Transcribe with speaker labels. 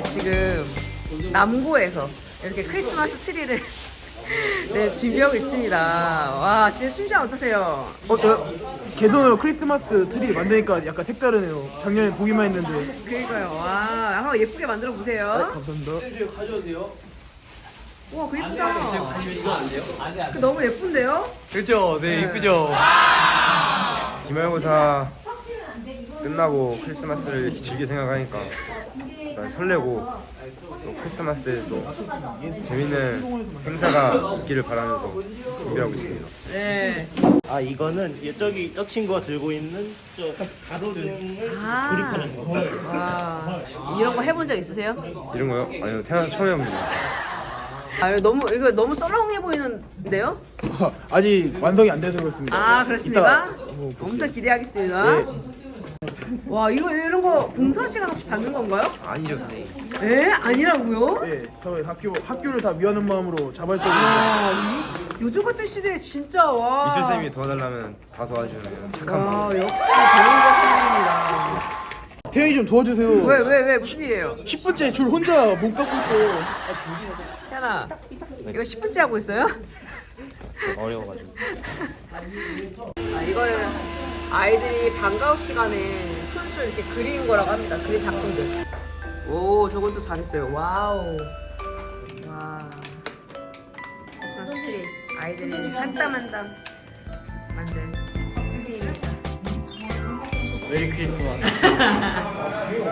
Speaker 1: 지금 남고에서 이렇게 크리스마스 트리를 네, 준비하고 있습니다. 와, 진짜 심장 어떠세요?
Speaker 2: 개선으로 크리스마스 트리 만드니까 약간 색다르네요. 작년에 보기만 했는데.
Speaker 1: 그러니까요. 와, 한번 예쁘게 만들어 보세요.
Speaker 2: 감사합니다.
Speaker 1: 와, 그 예쁘다. 그 너무 예쁜데요?
Speaker 3: 그렇죠. 네, 이쁘죠.
Speaker 4: 기말고사 끝나고 크리스마스를 이렇게 즐길 생각하니까 약간 설레고 또 크리스마스 때 또 재밌는 행사가 있기를 바라면서 준비하고 있습니다.
Speaker 1: 네.
Speaker 5: 아 이거는 저기 저 친구가 들고 있는 저 가로등을
Speaker 1: 아.
Speaker 5: 조립하는 거.
Speaker 1: 와, 이런 거 해본 적 있으세요?
Speaker 4: 이런 거요? 아니요, 태어나서 처음 해봅니다.
Speaker 1: 아, 이거 너무 썰렁해 보이는데요?
Speaker 2: 아직 완성이 안 돼서 그렇습니다.
Speaker 1: 아, 그렇습니까?
Speaker 2: 이따 한번 보세요.
Speaker 1: 엄청 기대하겠습니다.
Speaker 2: 네.
Speaker 1: 와, 이런 거 봉선 시간 없이 받는 건가요?
Speaker 4: 아니죠, 선생님.
Speaker 1: 에? 아니라고요?
Speaker 2: 네, 저희 학교를 다 위하는 마음으로 자발적으로.
Speaker 1: 아, 요즘 같은 시대에 진짜 와.
Speaker 4: 미술 선생님이 도와달라면 다 도와주는 착한 분.
Speaker 1: 와, 역시 배우자
Speaker 2: 태연이 좀 도와주세요.
Speaker 1: 선생님입니다. 왜 무슨 일이에요?
Speaker 2: 10분째 줄 혼자 못 갖고 있어요.
Speaker 1: 태연아, 이거 10분째 하고 있어요?
Speaker 5: 어려워가지고.
Speaker 1: 아, 이거는 아이들이 방과후 시간에 손수 이렇게 그린 거라고 합니다. 그린 작품들. 오, 저건 또 잘했어요. 와우. 와. 크리스마스 트리. 아이들이 한 땀 한 땀 만든 트리입니다.
Speaker 5: 메리 크리스마스.